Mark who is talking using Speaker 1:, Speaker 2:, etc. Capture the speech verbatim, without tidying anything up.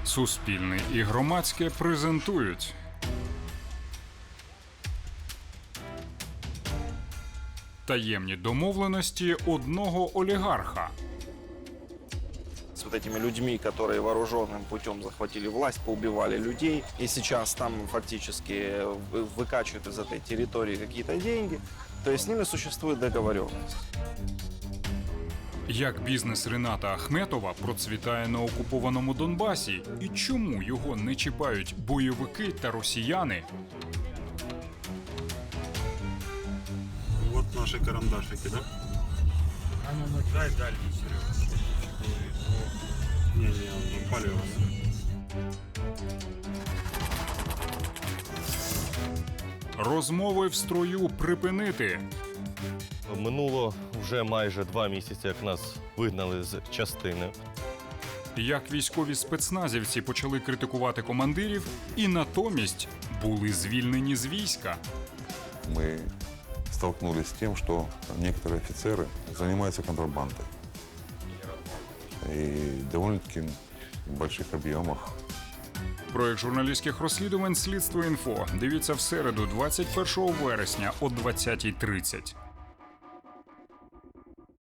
Speaker 1: Суспільне і громадське презентують. Таємні домовленості одного олігарха.
Speaker 2: С вот этими людьми, которые вооруженным путем захватили власть, поубивали людей. И сейчас там фактически выкачивают из этой территории какие-то деньги. То есть с ними существует договоренность.
Speaker 1: Як бізнес Рената Ахметова процвітає на окупованому Донбасі і чому його не чіпають бойовики та росіяни?
Speaker 3: Вот наши карандашики, да?
Speaker 4: А ну, ну дай дальше, Серега.
Speaker 3: Не-не, он палево.
Speaker 1: Розмови в строю припинити.
Speaker 5: Минуло вже майже два місяці, як нас вигнали з частини.
Speaker 1: Як військові спецназівці почали критикувати командирів і натомість були звільнені з війська.
Speaker 6: Мы столкнулись с тем, что некоторые офицеры занимаются контрабандой. И довольно-таки в больших объемах.
Speaker 1: Проект журналістських розслідувань «Слідство інфо». Дивіться в середу, двадцять першого вересня о двадцятій тридцять.